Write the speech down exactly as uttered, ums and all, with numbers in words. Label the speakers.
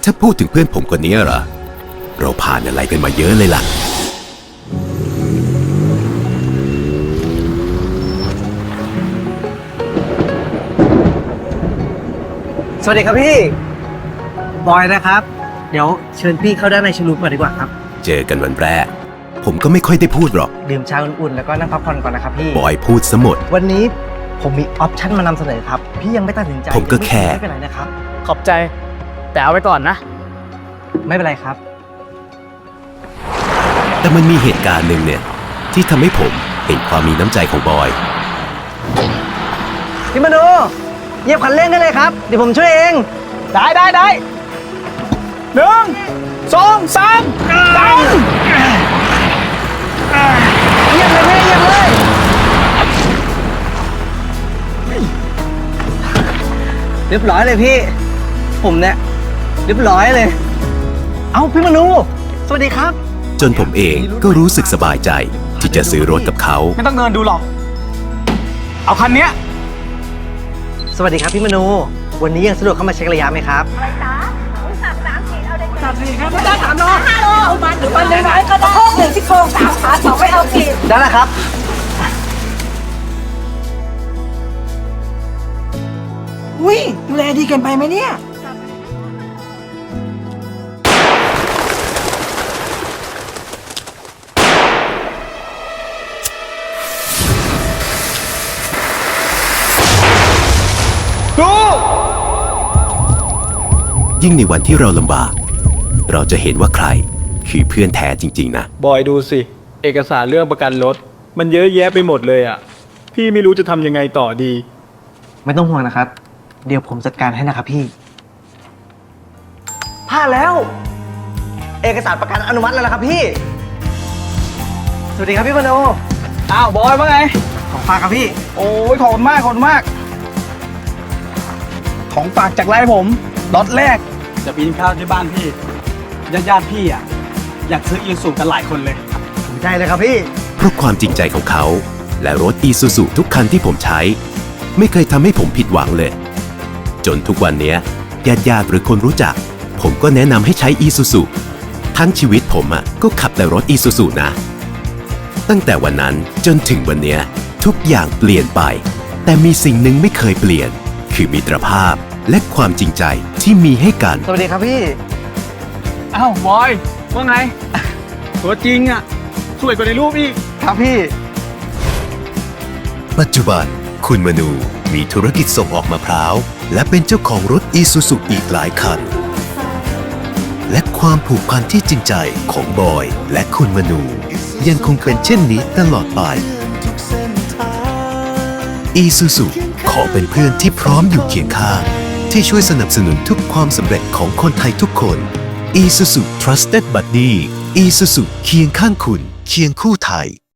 Speaker 1: ถ้าพูดถึงเพื่อนผมคนนี้เหรอเราผ่านอะไรกันมาเยอะเลยล่ะ
Speaker 2: สวัสดีครับพี่บอยนะครับเดี๋ยวเชิญพี่เข้าด้านในชลูปก่อนดีกว่าครับ
Speaker 1: เจอกันวันแรกผมก็ไม่ค่อยได้พูดหรอก
Speaker 2: ดื่มชาอุ่นๆแล้วก็นั่งพักผ่อนก่อนนะครับพี่
Speaker 1: บอยพูดซะหมด
Speaker 2: วันนี้ผมมีออปชั่นมานำเสนอครับพี่ยังไม่ตัดสินใจ
Speaker 1: ผมก็แค่
Speaker 2: ไม่เป็นไรนะครับ
Speaker 3: ขอบใจแต่เอาไว้ก่อนนะ
Speaker 2: ไม่เป็นไรครับ
Speaker 1: แต่มันมีเหตุการณ์หนึ่งเนี่ยที่ทำให้ผมเห็นความมีน้ำใจของบอย
Speaker 2: พี่มโนเหยียบคันเร่งได้เลยครับเดี๋ยวผมช่วยเองได้ได้ได้
Speaker 3: หนึ่งสองสามดัง
Speaker 2: เหยียบเลยพี่เหยียบเลยเรียบร้อยเลยพี่ผมเนี่ยเรียบร้อยเลยเอ้าพี่มนูสวัสดีครับ
Speaker 1: จนผมเองก็รู้สึกสบายใจที่จะซื้อรถกับเขา
Speaker 3: ไม่ต้องเดินดูหรอกเอาคันเนี้ย
Speaker 2: สวัสดีครับพี่มนูวันนี้ยังสะดวกเข้ามาเช็คระยะไหมครับ
Speaker 4: อะไรจ๊ะสามสามสี่เอาได้
Speaker 3: สามสี่ครับได้สามโล
Speaker 4: ห้าโลเอามันหรือมันน้อยๆก็ได้หนึ่งที่โครงสามขาสองไม่เอาขีด
Speaker 2: ได้แล้วครับ
Speaker 4: อุ้ยดูแลดีเกินไปไหมเนี่ย
Speaker 1: ยิ่งในวันที่เราลำบากเราจะเห็นว่าใครคือเพื่อนแท้จริงๆนะ
Speaker 3: บอยดูสิเอกสารเรื่องประกันรถมันเยอะแยะไปหมดเลยอ่ะพี่ไม่รู้จะทำยังไงต่อดี
Speaker 2: ไม่ต้องห่วงนะครับเดี๋ยวผมจัดการให้นะครับพี่ผ่านแล้วเอกสารประกันอนุมัติแล้วนะครับพี่สวัสดีครับพี่มโน
Speaker 3: อ้าวบอยว่าไง
Speaker 2: ของฝากครับพี่
Speaker 3: โอ้ยขอบคุณมากขอบคุณมากของฝากจากไลน์ผมล็อตแรกจะปีนข้าวที่บ้านพี่ญาติญาติพี่อ่ะอยากซื้ออีซูกันหลายคนเลย
Speaker 2: ถูกใจเลยครับพี่
Speaker 1: เพราะความจริงใจของเขาและรถอีซูซูทุกคันที่ผมใช้ไม่เคยทำให้ผมผิดหวังเลยจนทุกวันนี้ญาติญาติหรือคนรู้จักผมก็แนะนำให้ใช้อีซูซูทั้งชีวิตผมอ่ะก็ขับแต่รถอีซูซูนะตั้งแต่วันนั้นจนถึงวันนี้ทุกอย่างเปลี่ยนไปแต่มีสิ่งหนึ่งไม่เคยเปลี่ยนคือมิตรภาพและความจริงใจที่มีให้กัน
Speaker 2: สวัสดีครับพี่
Speaker 3: อ้าวบอยว่าไงตัวจริงอ่ะสวยกว่าในรูปอีก
Speaker 2: ครับพี่
Speaker 1: ปัจจุบันคุณมนูมีธุรกิจส่งออกมะพร้าวและเป็นเจ้าของรถอีซูซูอีกหลายคันและความผูกพันที่จริงใจของบอยและคุณมนูยังคงเป็นเช่นนี้ตลอดไปอีซูซูขอเป็นเพื่อนที่พร้อมอยู่เคียงข้างที่ช่วยสนับสนุนทุกความสำเร็จของคนไทยทุกคน Isuzu Trusted Buddy Isuzu เคียงข้างคุณเคียงคู่ไทย